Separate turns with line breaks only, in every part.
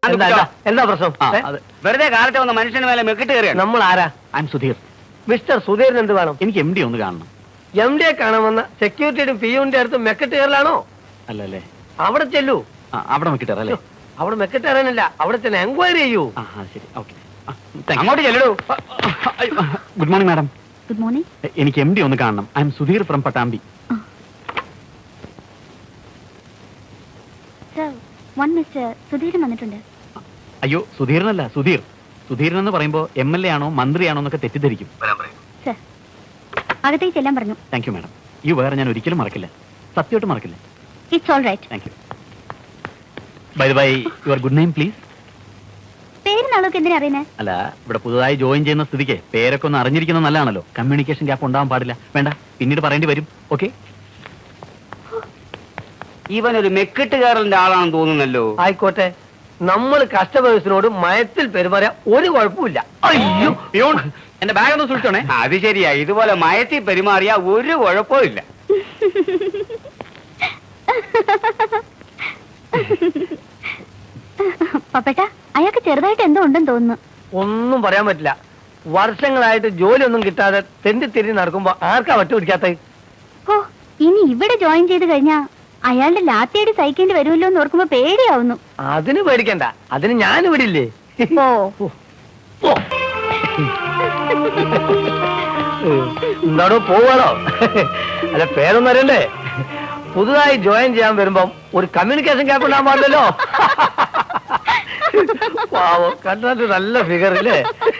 എന്താ പ്രശ്നം?
വെറുതെ കാലത്തെ വന്ന മനുഷ്യന് മേലെ മെക്കിട്ട് കയറിയാണ്.
നമ്മൾ ആരാ?
I am Sudheer.
മിസ്റ്റർ സുധീറിന് എന്ത് വേണം?
എനിക്ക് MD ഒന്ന് കാണണം.
MD കാണാമെന്ന സെക്യൂരിറ്റിയുടെ പിയുടെ അടുത്ത് മെക്കിട്ട് കയറലാണോ?
അല്ലല്ലേ,
അവിടെ ചെല്ലൂ.
അവിടെ മെക്കിട്ട് കയറല്ലേ?
അവിടെ മെക്കിട്ട് കയറാനല്ല, അവിടെ തന്നെ എൻക്വയറി ചെയ്യൂ.
ശരി, ഓക്കെ. അങ്ങോട്ട് ചെല്ലൂ. Good morning madam.
Good morning.
എനിക്ക് MD ഒന്ന് കാണണം. I am Sudheer from Pattambi.
Sir, one mister Sudheeran വന്നിട്ടുണ്ട്.
അയ്യോ, സുധീരനല്ല, സുധീർ. സുധീരൻ എന്ന് പറയുമ്പോ MLA ആണോ മന്ത്രിയാണോ എന്നൊക്കെ തെറ്റിദ്ധരിക്കും.
സർ, അകത്തേക്ക് ചെല്ലാൻ പറഞ്ഞു.
Thank you madam. ഈ വേറെ ഞാൻ ഒരിക്കലും മറക്കില്ല, സത്യമായിട്ട് മറക്കില്ല.
It's all right.
Thank you. By the by, your good name please.
പേര് നാളൊക്കെ എന്തിനാ അറിയുന്നേ?
അല്ല, ഇവിടെ പുതുതായി ജോയിൻ ചെയ്യുന്ന സ്ഥിതിക്ക് പേരൊക്കെ ഒന്ന് അറിഞ്ഞിരിക്കുന്നത് നല്ലതാണല്ലോ. കമ്മ്യൂണിക്കേഷൻ ഗ്യാപ്പ് ഉണ്ടാവാൻ പാടില്ല. വേണ്ട, പിന്നീട് പറയേണ്ടി വരും. ഓക്കെ.
ഇവനൊരു മെക്കിട്ട് കയറലിന്റെ ആളാണെന്ന് തോന്നുന്നല്ലോ.
ആയിക്കോട്ടെ, നമ്മൾ കസ്റ്റമേഴ്സിനോട് മയത്തിൽ പെരുമാറിയ ഒരു കുഴപ്പമില്ല.
അയ്യോ, എന്റെ ബാഗ് ഒന്ന് സൂക്ഷിച്ചോണേ.
അത് ശരിയാ, ഇതുപോലെ മയത്തിൽ പെരുമാറിയ ഒരു കുഴപ്പവും ഇല്ല.
പപ്പേട്ട, അയാൾക്ക് ചെറുതായിട്ട് എന്തോ ഉണ്ടെന്ന് തോന്നുന്നു.
ഒന്നും പറയാൻ പറ്റില്ല. വർഷങ്ങളായിട്ട് ജോലിയൊന്നും കിട്ടാതെ തെണ്ടി തിരിഞ്ഞ് നടക്കുമ്പോ ആർക്കാ വട്ടുപിടിക്കാത്ത?
ഓ, ഇനി ഇവിടെ ജോയിൻ ചെയ്ത് കഴിഞ്ഞാ അയാളുടെ ലാത്തിയടി സഹിക്കേണ്ടി വരുമല്ലോ എന്ന് ഓർക്കുമ്പോ പേടിയാവുന്നു.
അതിന് പേടിക്കണ്ട, അതിന് ഞാൻ ഇവിടെ ഇല്ലേ. എന്താണോ പോവാണോ? അല്ല, പേരൊന്നും അറിയണ്ടേ? പുതുതായി ജോയിൻ ചെയ്യാൻ വരുമ്പം ഒരു കമ്മ്യൂണിക്കേഷൻ ഗ്യാപ്പ് ഉണ്ടാകാൻ പാടില്ലല്ലോ. പാവം, കണ്ടാൽ നല്ല ഫിഗർ ഇല്ലേ?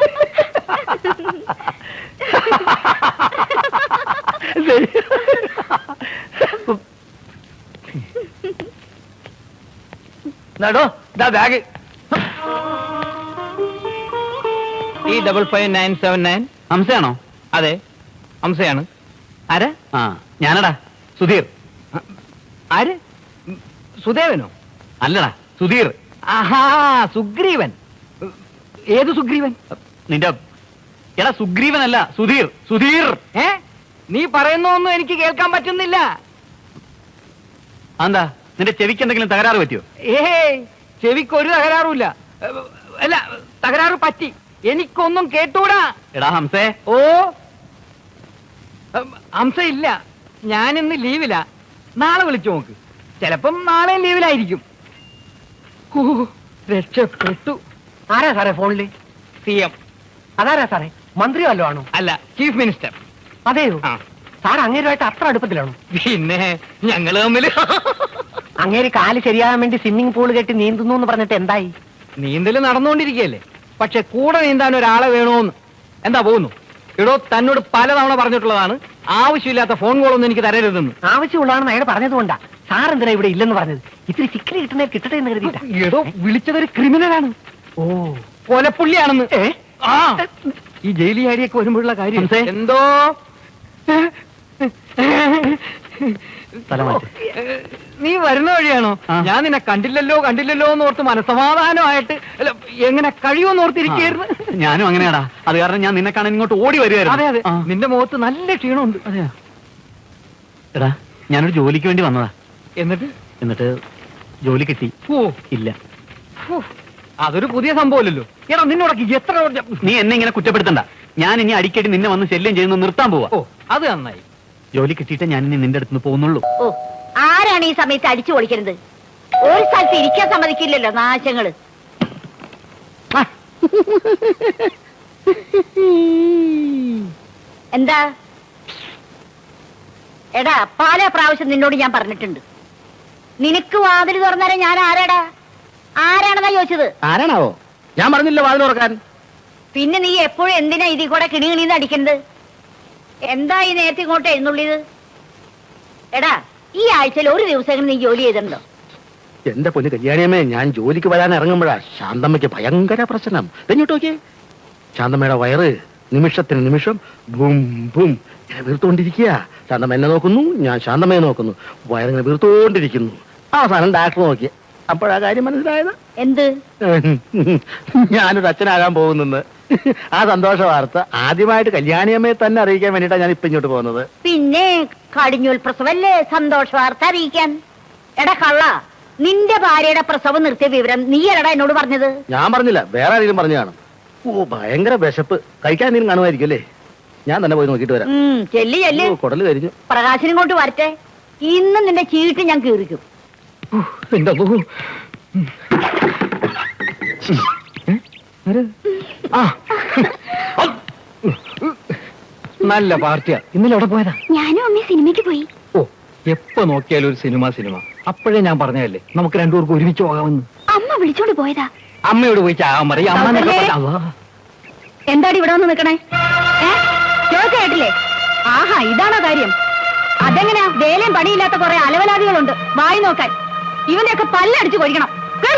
നടോ, ഇതാ ബാഗ്.
E5599. ഹംസയാണോ?
അതെ, ഹംസയാണ്.
ആരാ? ഞാനടാ, സുധീർ.
ആര്? സുദേവനോ?
അല്ലടാ, സുധീർ.
ആഹാ, സുഗ്രീവൻ. ഏത് സുഗ്രീവൻ?
നിന്റെ എടാ, സുഗ്രീവനല്ല, സുധീർ. സുധീർ.
നീ പറയുന്നൊന്നും എനിക്ക് കേൾക്കാൻ പറ്റുന്നില്ല.
എന്താ, നിന്റെ ചെവിക്ക് എന്തെങ്കിലും തകരാറ് പറ്റിയോ?
ചെവിക്ക് ഒരു തകരാറുമില്ല. അല്ല, തകരാറ് പറ്റി, എനിക്കൊന്നും കേട്ടൂടാ.
എടാ ഹംസേ.
ഓ, ഹംസ ഇല്ല, ഞാനിന്ന് ലീവില. നാളെ വിളിച്ചു നോക്ക്, ചിലപ്പം നാളെ ലീവിലായിരിക്കും. രക്ഷപ്പെട്ടു. ആരാ സാറേ ഫോണില്? CM. അതാരാ സാറേ? മന്ത്രി വല്ലോ ആണോ? അല്ല, ചീഫ് മിനിസ്റ്റർ. അതെയോ? സാർ അങ്ങേരുമായിട്ട് അത്ര അടുപ്പത്തിലാണോ? പിന്നെ ഞങ്ങള് തമ്മില്. അങ്ങേര് കാല് ശരിയാകാൻ വേണ്ടി സ്വിമ്മിംഗ് പൂൾ കെട്ടി നീന്തുന്നു എന്ന് പറഞ്ഞിട്ട് എന്തായി? നീന്തല് നടന്നുകൊണ്ടിരിക്കുകയല്ലേ, പക്ഷെ കൂടെ നീന്താൻ ഒരാളെ വേണോന്ന്. എന്താ പോകുന്നു? എടോ, തന്നോട് പലതവണ പറഞ്ഞിട്ടുള്ളതാണ് ആവശ്യമില്ലാത്ത ഫോൺ കോളൊന്നും എനിക്ക് തരരുതെന്ന്. ആവശ്യമുള്ളതാണെന്ന് അയാൾ പറഞ്ഞതുകൊണ്ടാ സാർ എന്തിനാ ഇവിടെ ഇല്ലെന്ന് പറഞ്ഞത്. ഇത്തിരി ചിക്കരി കിട്ടുന്നേ കിട്ടട്ടെ എന്ന് കരുതിയിട്ടാ. എടോ, വിളിച്ചതൊരു ക്രിമിനലാണ്. ഓ, കൊലപ്പുള്ളിയാണെന്ന്. ഈ ജയിലി ആരിയൊക്കെ വരുമ്പോഴുള്ള കാര്യം എന്തോ. നീ വരുന്ന വഴിയാണോ? ഞാൻ നിന്നെ കണ്ടില്ലല്ലോ എന്ന് ഓർത്ത് മനസ്സമാധാനമായിട്ട് എങ്ങനെ കഴിയുമെന്ന് ഓർത്തിരിക്കുകയായിരുന്നു.
ഞാനും അങ്ങനെയാടാ, അത് കാരണം ഞാൻ നിന്നെ കാണാൻ ഇങ്ങോട്ട് ഓടി വരുമായിരുന്നു.
അതെ അതെ, നിന്റെ മുഖത്ത് നല്ല ക്ഷീണമുണ്ട്.
അതെയാ? എടാ, ഞാനൊരു ജോലിക്ക് വേണ്ടി വന്നതാ. എന്നിട്ട് ജോലി കിട്ടി.
ഓ
ഇല്ല.
അതൊരു പുതിയ സംഭവമല്ലല്ലോ. എടാ, നിന്നോടൊക്കെ എത്ര.
നീ എന്നെ ഇങ്ങനെ കുറ്റപ്പെടുത്തണ്ട. ഞാൻ ഇനി അടിക്കടി നിന്നെ വന്ന് ശല്യം ചെയ്യുന്നത് നിർത്താൻ പോവാ.
ഓ, അത് നന്നായി.
ജോലി കിട്ടിയിട്ട് ഞാൻ ഇനി നിന്റെ അടുത്ത് പോകുന്നുള്ളൂ.
ഓ, ആരാണ് ഈ സമയത്ത് അടിച്ചു പൊളിക്കുന്നത്? ഒരു സ്ഥലത്ത് ഇരിക്കാൻ സമ്മതിക്കില്ലല്ലോ നാശങ്ങള്. എന്താ എടാ, പല പ്രാവശ്യം നിന്നോട് ഞാൻ പറഞ്ഞിട്ടുണ്ട്, നിനക്ക് വാതിൽ തുറന്നാലേ ഞാൻ ആരാടാ? ആരാണെന്നാ ചോദിച്ചത്?
ആരാണാവോ? ഞാൻ പറഞ്ഞില്ല വാതിൽ തുറക്കാൻ.
പിന്നെ നീ എപ്പോഴും എന്തിനാ ഇതിൽ കൂടെ കിണികിണിന്ന് അടിക്കുന്നത്? എന്താ ഈ നേരത്തെ ഇങ്ങോട്ട് എഴുന്നള്ളിയത്? എടാ, ഈ ആഴ്ചയിൽ ഒരു ദിവസം നീ ജോലി ചെയ്തിട്ടുണ്ടോ?
എന്റെ പൊന്നു കല്യാണിയമ്മേ, ഞാൻ ജോലിക്ക് വരാൻ ഇറങ്ങുമ്പോഴാ ശാന്തമ്മയ്ക്ക് ഭയങ്കര പ്രശ്നം. തെഞ്ഞോട്ട് നോക്കിയേ, ശാന്തമ്മയുടെ വയറ് നിമിഷത്തിന് നിമിഷം ബും ബും വീർത്തുകൊണ്ടിരിക്കുക. ശാന്തമ്മ എന്നെ നോക്കുന്നു, ഞാൻ ശാന്തമ്മയെ നോക്കുന്നു. വയറിങ്ങനെ വീർത്തുകൊണ്ടിരിക്കുന്നു. അവസാനം ഡാക്ടർ നോക്കി, അപ്പോഴാ കാര്യം മനസ്സിലായത്.
എന്ത്?
ഞാനൊരു അച്ഛനാകാൻ പോകുന്നെന്ന്. ആ സന്തോഷ വാർത്ത ആദ്യമായിട്ട് കല്യാണിയമ്മയെ തന്നെ അറിയിക്കാൻ വേണ്ടിയിട്ടാണ് ഞാൻ ഇപ്പൊ ഇങ്ങോട്ട് പോകുന്നത്.
പിന്നെ കടിഞ്ഞൂൽ പ്രസവല്ലേ സന്തോഷ വാർത്ത അറിയിക്കാൻ? എടാ കള്ള, നിന്റെ ഭാര്യയുടെ പ്രസവം നിർത്തിയ വിവരം നീയല്ലടാ എന്നോട് പറഞ്ഞത്.
ഞാൻ പറഞ്ഞില്ല, വേറെ ആരെങ്കിലും പറഞ്ഞു കാണും. ഓ ഭയങ്കര വിശപ്പ്, കഴിക്കാൻ എന്തെങ്കിലും കാണുമായിരിക്കും അല്ലേ? ഞാൻ തന്നെ പോയി നോക്കിട്ട് വരാം.
ചെല്ലി ചെല്ലി.
കുടല് കരിഞ്ഞു.
പ്രകാശനും കൊണ്ട് വരട്ടെ. ഇന്ന് നിന്റെ ചീട്ട് ഞാൻ കീറിക്കും.
എന്റെ നല്ല പാർട്ടിയാ. ഇന്നലെ എവിടെ പോയതാ?
ഞാനും അമ്മ സിനിമയ്ക്ക് പോയി.
ഓ, എപ്പോ നോക്കിയാലും ഒരു സിനിമ. അപ്പോഴേ ഞാൻ പറഞ്ഞതല്ലേ നമുക്ക് രണ്ടുപേർക്കും ഒരുമിച്ച് പോകാമെന്ന്.
അമ്മ വിളിച്ചോണ്ട് പോയതാ.
അമ്മയോട് പോയി ചാകാൻ പറയും.
എന്താടി ഇവിടെ വന്ന് നിക്കണേ? കേട്ടില്ലേ? ആഹാ, ഇതാണോ കാര്യം? അതെങ്ങനെയാ? വേലയും പണിയില്ലാത്ത കുറെ അലവലാദികളുണ്ട് വായി നോക്കാൻ. ഇവനെയൊക്കെ പല്ലടിച്ചു കൊഴിക്കണം.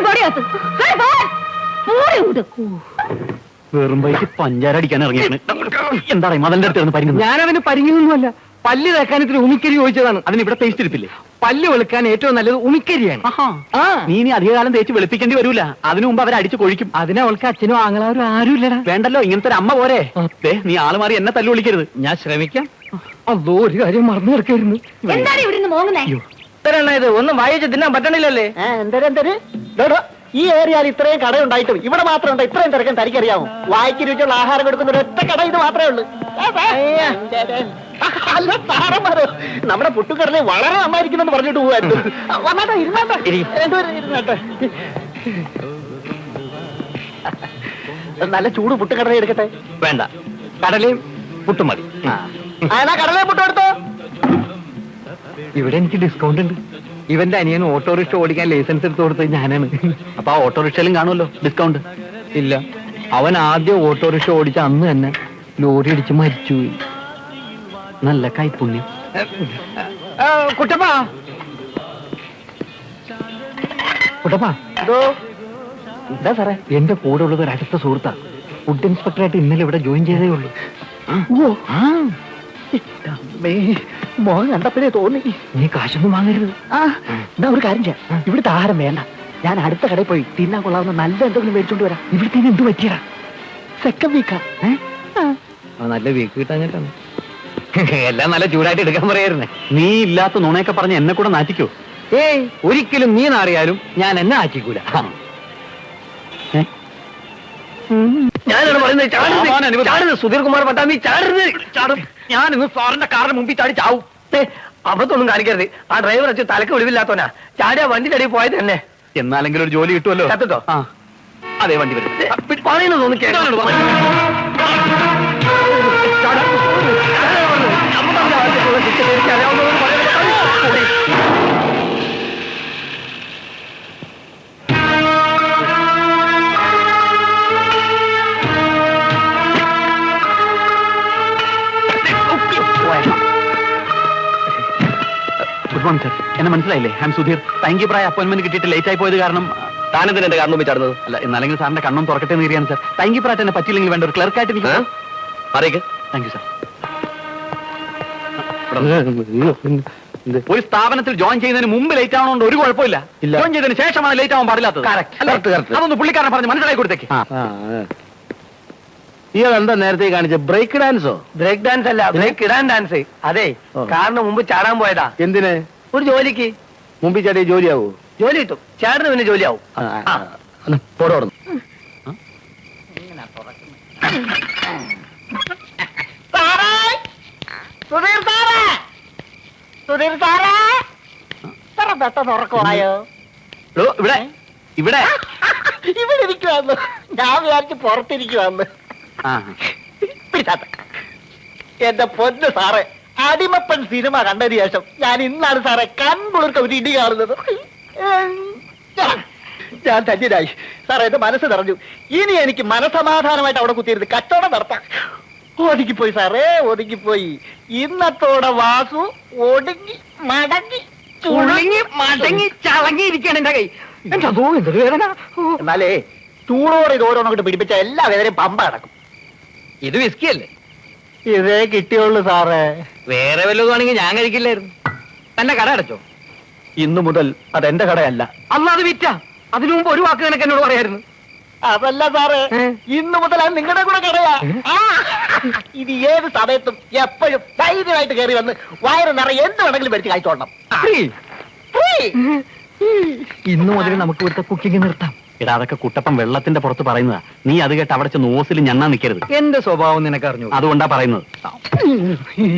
വെറും വൈകി പഞ്ചാര അടിക്കാൻ ഇറങ്ങിയാണ്. എന്താണ് മതന്റെ അടുത്ത് പരിങ്ങുന്നത്?
ഞാനവന് പരിങ്ങുന്നൊന്നുമല്ല. പല്ല് തേക്കാൻ ഇത്തിരി ഉമിക്കരി ചോദിച്ചതാണ്.
അതിന് ഇവിടെ പേസ്റ്റ് ഇരിപ്പില്ലേ?
പല്ല് വെളുക്കാൻ ഏറ്റവും നല്ലത് ഉമിക്കരിയാണ്.
നീ ഇനി അധികകാലം തേച്ച് വെളുപ്പിക്കേണ്ടി വരൂല. അതിനു മുമ്പ് അവരെ അടിച്ചു കൊഴിക്കും.
അതിനവൾക്ക് അച്ഛനും ആങ്ങളാരും ആരും ഇല്ലടാ.
വേണ്ടല്ലോ, ഇങ്ങനത്തെ ഒരു അമ്മ പോരെ. നീ ആള് മാറി എന്നെ തല്ലു വിളിക്കരുത്.
ഞാൻ ശ്രമിക്കാം. അതോ ഒരു കാര്യം മറന്നു കിടക്കായിരുന്നു.
എന്താണ് ഇവിടുന്ന് മോങ്ങുന്നേ?
ഇത് ഒന്നും വായിച്ച് തിന്നാൻ പറ്റണില്ലല്ലേ? ഈ ഏരിയയിൽ ഇത്രയും കടയുണ്ടായിട്ടും ഇവിടെ മാത്രം ഉണ്ടോ ഇത്രയും തിരക്കാൻ തനിക്കറിയാമോ? വായിക്ക് രുചിയുള്ള ആഹാരം കൊടുക്കുന്ന ഒരൊറ്റ കട ഇത് മാത്രമേ ഉള്ളൂ. അല്ല സാറന്മാരോ, നമ്മുടെ പുട്ടുകടലെ വളരെ നന്നായിരിക്കുന്നെന്ന് പറഞ്ഞിട്ട് പോവായിരുന്നു. വന്നാട്ടെ, ഇരുന്നാട്ടെ, രണ്ടുപേരും ഇരുന്നാട്ടെ. നല്ല ചൂട് പുട്ടുകടല എടുക്കട്ടെ?
വേണ്ട, കടലയും പുട്ടും മതി.
അതാ കടലയും പുട്ടും എടുത്തോ.
ഇവിടെ എനിക്ക് ഡിസ്കൗണ്ട് ഉണ്ട്. ഇവന്റെ അനിയൻ ഓട്ടോറിക്ഷ ഓടിക്കാൻ ലൈസൻസ് എടുത്ത് കൊടുത്തത് ഞാനാണ്.
അപ്പൊ ആ ഓട്ടോറിക്ഷയിലും കാണുമല്ലോ ഡിസ്കൗണ്ട്.
ഇല്ല, അവൻ ആദ്യം ഓട്ടോറിക്ഷ ഓടിച്ച അന്ന് തന്നെ ലോറി അടിച്ച് മരിച്ചുപോയി.
നല്ല കൈപ്പുണ്യം.
കുട്ടപ്പാ,
ഇതോ
എന്താ സാറേ? എന്റെ കൂടെ ഉള്ളത് ഒരു അടുത്ത സുഹൃത്താ. ഫുഡ് ഇൻസ്പെക്ടറായിട്ട് ഇന്നലെ ഇവിടെ ജോയിൻ ചെയ്തേ ഉള്ളൂ.
മോഹൻ കണ്ടപ്പോഴേ തോന്നി.
നീ കാശൊന്നും വാങ്ങരുത്.
എന്നാ ഒരു കാര്യം ചെയ്യാം, ഇവിടുത്തെ ആഹാരം വേണ്ട, ഞാൻ അടുത്ത കടയിൽ പോയി തിന്നാൻ കൊള്ളാവുന്ന നല്ല എന്തെങ്കിലും മേടിച്ചോണ്ട് വരാം.
ഇവിടുത്തെ എന്ത് പറ്റിയടാ?
സെക്കൻഡ് വീക്കാ.
നല്ല വീക്ക് കിട്ടാഞ്ഞിട്ടാണ്. എല്ലാം നല്ല ചൂടായിട്ട് എടുക്കാൻ പറയായിരുന്നേ.
നീ ഇല്ലാത്ത നുണയൊക്കെ പറഞ്ഞ് എന്നെ കൂടെ നാറ്റിക്കോ?
ഏയ്, ഒരിക്കലും നീ നാറിയാലും ഞാൻ എന്നെ ആക്കിക്കൂല. ഞാനാണ് പറയുന്നത്, സുധീർ കുമാർ പട്ടാമ്പി ചാടരുത്. ഞാൻ ഇന്ന് സാറിന്റെ കാറിന് മുമ്പിൽ ചാടി ചാവും. അബദ്ധമൊന്നും കാണിക്കരുത്. ആ ഡ്രൈവർ വെച്ച് തലക്ക് വെളിവില്ലാത്തവനാ. ചാടിയ വണ്ടി തടി പോയത് തന്നെ.
എന്നാലെങ്കിലും ഒരു ജോലി കിട്ടുമല്ലോ.
കത്തിട്ടോ?
അതെ, വണ്ടി വരും.
പറയുന്നത് തോന്നി കേട്ടോ.
Good morning sir. എന്നെ മനസ്സിലായില്ലേ? I am Sudheer. തൈങ്കിപ്രായ അപ്പോയിന്റ്മെന്റ് കിട്ടിയിട്ട് ലേറ്റ് ആയി പോയത് കാരണം.
താനെന്തിനാ എന്റെ കാരണം ചാടുന്നത്?
അല്ല, എന്നാലെങ്കിലും സാറിന്റെ കണ്ണും തുറക്കട്ടെ എന്ന് കയറിയാണ് സർ. തൈങ്കിപ്രായിട്ട് എന്നെ പറ്റിയില്ലെങ്കിൽ വേണ്ട ഒരു ക്ലർക്കായിട്ട് എനിക്ക്.
അറിയിക്ക്.
Thank you sir. ഒരു സ്ഥാപനത്തിൽ ജോയിൻ ചെയ്യുന്നതിന് മുമ്പ് ലേറ്റ് ആവണോണ്ട് ഒരു കുഴപ്പമില്ല. ജോയിൻ ചെയ്തതിന് ശേഷമാണ് ലേറ്റ് ആവാൻ പാടില്ലാത്തത്. അതൊന്ന് പുള്ളിക്കാരനെ പറഞ്ഞ് മനസ്സിലാക്കി കൊടുത്തേക്ക്.
ഇയാളെന്താ നേരത്തെ കാണിച്ച ബ്രേക്ക് ഡാൻസോ?
ബ്രേക്ക് ഡാൻസ് അല്ല, ബ്രേക്ക് ഇടാൻ ഡാൻസ്. അതെ, കാറിന് മുമ്പ് ചാടാൻ പോയതാ.
എന്തിന്?
ഒരു ജോലിക്ക്.
മുമ്പിൽ ചാടിയ ജോലിയാവൂ?
ജോലി കിട്ടും, ചാടിന് പിന്നെ ജോലിയാവും.
പോടോടുന്നു.
സുധീർ സാറേ, ഇത്ര പെട്ടെന്ന് ഉറക്കമായോ?
ഇവിടെ ഇവിടെ
ഇവിടെ ഇരിക്കുവാന്ന് ഞാൻ വിചാരിച്ച് പുറത്തിരിക്കുവാന്ന്. എന്റെ പൊന്ന് സാറേ, അടിമപ്പൻ സിനിമ കണ്ടതിന് ശേഷം ഞാൻ ഇന്നാണ് സാറേ കൺകുളിർക്ക ഒരു ഇടി കാണുന്നത്. ഞാൻ ധന്യനായി സാറേ, എന്റെ മനസ്സ് നിറഞ്ഞു. ഇനി എനിക്ക് മനസമാധാനമായിട്ട് അവിടെ കുത്തിയിരുന്ന് കച്ചവടം നടത്താം. ഒതുങ്ങിപ്പോയി സാറേ, ഒതുങ്ങിപ്പോയി. ഇന്നത്തോടെ വാസു ഒടുങ്ങി മടങ്ങി
മടങ്ങി ചളങ്ങിയിരിക്കാണ് എന്റെ കൈ. എന്തോ എന്തൊരു വേദന.
എന്നാലേ ചൂടോടെ ഇത് ഓരോന്നോട്ട് പിടിപ്പിച്ച എല്ലാ വേദനയും പമ്പ അടക്കും.
ഇത് വിസ്കി അല്ലേ?
ഇതേ കിട്ടിയുള്ളൂ സാറേ.
വേറെ വല്ലതും ആണെങ്കിൽ ഞാൻ കഴിക്കില്ലായിരുന്നു. തന്നെ കട അടച്ചോ?
ഇന്നു മുതൽ അതെന്റെ കടയല്ല.
അല്ലാതെ വിറ്റ. അതിനു മുമ്പ് ഒരു വാക്ക് നിനക്ക് എന്നോട് പറയായിരുന്നു.
അതല്ല സാറേ, ഇന്നു മുതൽ അത് നിങ്ങളുടെ കൂടെ കടയാ. ഇത് ഏത് സമയത്തും എപ്പോഴും ധൈര്യമായിട്ട് കയറി വന്ന് വയറ് നിറയെ എന്ത് വേണമെങ്കിലും മേടിച്ച് കഴിച്ചോളണം.
ഇന്നു മുതൽ നമുക്ക് ഇവിടുത്തെ കുക്കിംഗ് നിർത്താം.
എടാ അതൊക്കെ കുട്ടപ്പൻ വെള്ളത്തിന്റെ പുറത്ത് പറയുന്നതാ. നീ അത് കേട്ട് അവിടെ ചെന്ന് ഓസിൽ ഞണ്ണാൻ നിൽക്കരുത്.
എന്റെ സ്വഭാവം നിനക്ക് അറിഞ്ഞു.
അതുകൊണ്ടാ പറയുന്നത്.